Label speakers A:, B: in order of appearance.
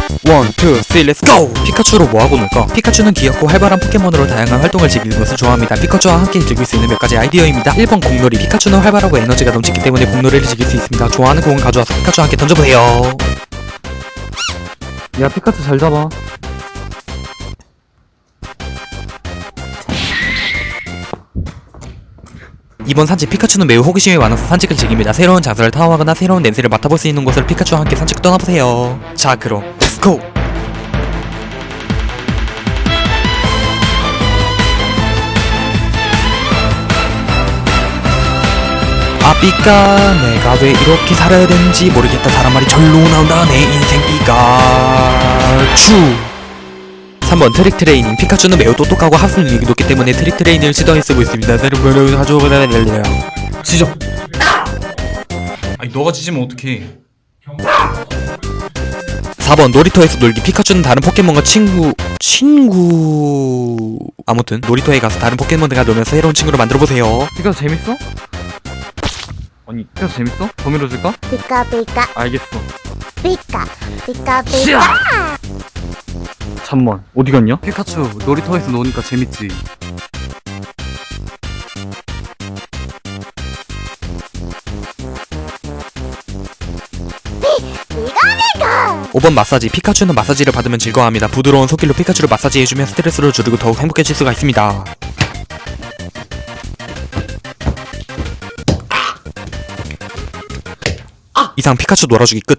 A: 1, 2, 3, 렛츠 고! 피카츄로 뭐하고 놀까? 피카츄는 귀엽고 활발한 포켓몬으로 다양한 활동을 즐기는 것을 좋아합니다. 피카츄와 함께 즐길 수 있는 몇 가지 아이디어입니다. 1번 공놀이. 피카츄는 활발하고 에너지가 넘치기 때문에 공놀이를 즐길 수 있습니다. 좋아하는 공을 가져와서 피카츄와 함께 던져보세요.
B: 야, 피카츄 잘 잡아.
A: 이번 산책. 피카츄는 매우 호기심이 많아서 산책을 즐깁니다. 새로운 장소를 탐험하거나 새로운 냄새를 맡아볼 수 있는 곳을 피카츄와 함께 산책 떠나보세요. 자, 그럼 렛츠고! 삐까 내가 왜 이렇게 살아야 되는지 모르겠다. 사람 말이 절로 나온다. 내 인생 피카츄. 3번 트릭 트레이닝. 피카츄는 매우 똑똑하고 학습력이 높기 때문에 트릭 트레이닝을 시도해쓰고 있습니다. 여러분 가져오면
C: 지져. 아니 너가 지지면 어떡해.
A: 4번 놀이터에서 놀기. 피카츄는 다른 포켓몬과 아무튼 놀이터에 가서 다른 포켓몬들과 놀면서 새로운 친구를 만들어보세요.
B: 피카츄 재밌어? 아니, 피카츄 재밌어? 더 밀어줄까?
D: 피카 피카
B: 알겠어.
D: 피카 피카 피카.
B: 잠만, 어디 갔냐? 피카츄, 놀이터에서 노니까 재밌지.
D: 이거
A: 5번 마사지. 피카츄는 마사지를 받으면 즐거워합니다. 부드러운 손길로 피카츄를 마사지해주면 스트레스를 줄이고 더욱 행복해질 수가 있습니다. 이상 피카츄 놀아주기 끝.